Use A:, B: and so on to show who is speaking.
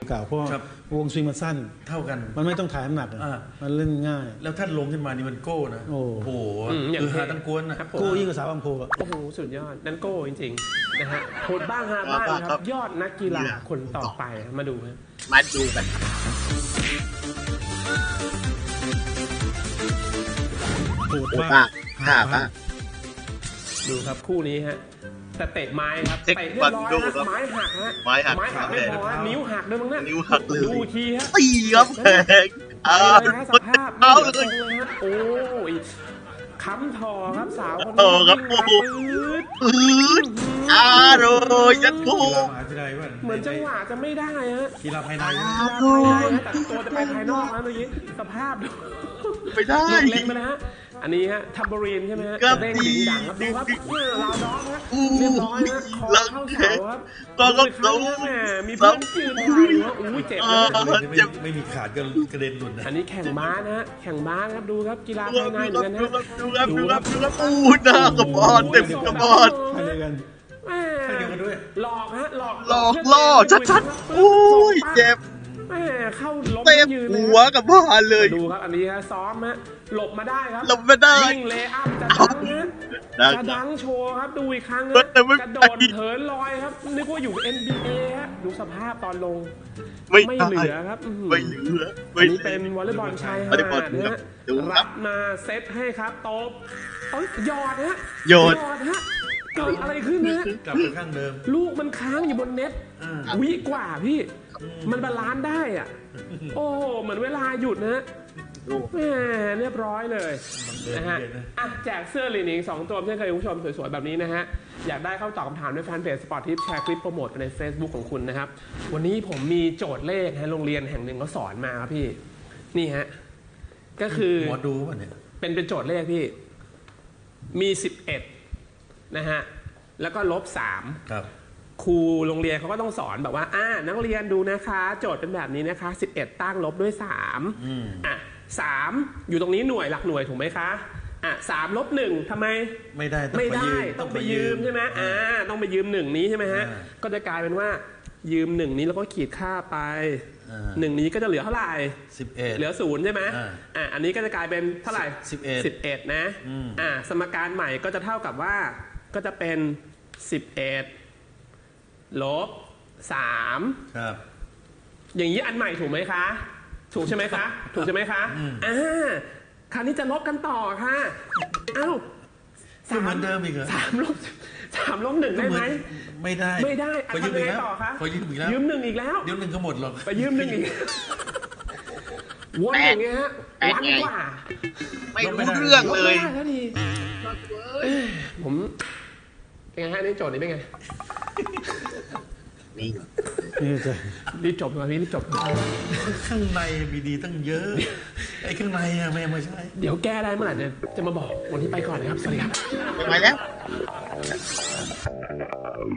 A: เก่าเพราะวงสวิงมันสั้น
B: เท่ากัน
A: มันไม่ต้องถ่ายน้ำหนักมันเล่นง่าย
B: แล้วท่านลงขึ้นมานี่มันโก้นะโอ้โหคือหาตั้งกวนนะ
A: โก้ยิ่งกว่าสาวอัมโพ
C: โอ้โหสุดยอดนั่นโก้จริงๆนะฮะโหดบ้างฮะบ้างครับยอดนักกีฬาคนต่อไปมาดูกัน
A: โหดมาก
C: ดูครับคู่นี้ฮะแต่เตะไม้ครับเตะเรียบร้อยนะไม้หักฮะไม้หักไม่พอนิ้วหักด้วยมั้งเนี่ย
D: นิ้วหักเลย
C: ดูทีฮะ
D: ตีครับแพง
C: สภาพเอาเลยฮะโอ้ยค้ำทอครับสาวคนนี้
D: ครับปื๊ดโดยยัดทู
C: เหมือนจังหวะจะไม่ได้ฮะ
B: กีฬาภายใน
C: แต่ตัวจะไปภายนอกนะเมื่อกี้สภาพดู
D: ไม่ได้
C: เล็งไปนะฮะอันนี้ฮะทัมเบอรีนใช่ไหมฮะเด้งดิ่งดังครับดูครับลาวด็อกฮะเรียบร้อยฮะคอเข้าเสาครับ
D: ก็
C: เขาแหมมีเพื่อนยืนถ่ายว่าอู้เจ็บ
B: ไม่มีขาดก็กระเด็นหลุดนะ
C: อันนี้แข่งม้านะฮะแข่งม้าครับดูครับกีฬาภายในเหมือนกันฮะ
D: ดูครับหน้ากระบอลเต็มกระบอล
A: ใช่กัน
C: หลอกฮะหลอก
D: ล่อชัดๆโอ้ยเจ็บ
C: เข้าล้มยืน
D: หัวกับบ้านเลย
C: ดูครับอันนี้ฮะซ้อมฮะหลบมาได้ครับ
D: หลบมาได้
C: วิ่งเลย์อัพจะดังนะจะดังโชว์ครับดูอีกครั้งนะกระโดดเถินลอยครับนึกว่าอยู่ NBA ฮะดูสภาพตอนลงไม่เหลือครับ
D: ไม่เหลือ
C: อันนี้เป็นวอลเลย์บอลชายหาดนะฮะรับมาเซตให้ครับตบหยอดฮะ
D: หยอด
C: ฮะเกิดอะไรขึ้นนะ
B: กลับไปข้างเดิม
C: ลูกมันค้างอยู่บนเน็ตวิกว่าพี่มันบาลานซ์ได้อ่ะโอ้เหมือนเวลาหยุดนะแหมเรียบร้อยเลยนะฮะแจกเสื้อลีนิง2ตัวเช่นเคยคุณผู้ชมสวยๆแบบนี้นะฮะอยากได้เข้าตอบคำถามในแฟนเพจสปอร์ตทิปแชร์คลิปโปรโมทใน Facebook ของคุณนะครับวันนี้ผมมีโจทย์เลขโรงเรียนแห่งหนึ่งเขาสอนมาครับพี่นี่ฮะก็คือ
B: หมอดูป่ะเนี่ย
C: เป็นโจทย์เลขพี่มี11นะฮะแล้วก็-3
B: ครับ
C: ครูโรงเรียนเขาก็ต้องสอนแบบว่านักเรียนดูนะคะโจทย์เป็นแบบนี้นะคะ11ตั้งลบด้วย33อยู่ตรงนี้หน่วยหลักหน่วยถูกไหมคะ3 ลบ 1ทำไม
B: ไม่ได้
C: ต้องไปยืมใช่ไหมต้องไปยืม1นี้ใช่ไหมฮะก็จะกลายเป็นว่ายืม1นี้แล้วก็ขีดค่าไป1นี้ก็จะเหลือเท่าไหร่
B: 11
C: เหลือ0ใช่ไหมอันนี้ก็จะกลายเป็นเท่าไหร่11นะสมการใหม่ก็จะเท่ากับว่าก็จะเป็น11 ลบ3
B: ครับ
C: อย่างนี้อันใหม่ถูกไหมคะถูกใช่ไหมคะถูกใช่ไหมคะคราวนี้จะลบกันต่อค่ะ
B: เหมือนเดิมอีกเหรอ
C: 3 ลบ 1ได้ไหม
B: ไม่ได้
C: ทำยังไงต่อคะยืม1อีกแล้ว
B: ยืม1ก็หมดหรอก
C: ไปยืม1อีกวนอย่างเงี้ยฮะวันกว่า
D: ไม่รู้เรื่องเลย
C: ผมเป็นไงฮะนี่โจทย์นี้เป็นไงรีบจบมาพี่รีบจบ
B: ข้างในมีดีตั้งเยอะไอ้ข้างในไม่ใช่
C: เดี๋ยวแก้ได้เมื่อไหร่เนี่ยจะมาบอกวันที่ไปก่อนนะครับสวัสดีครับ
D: ไปแล้ว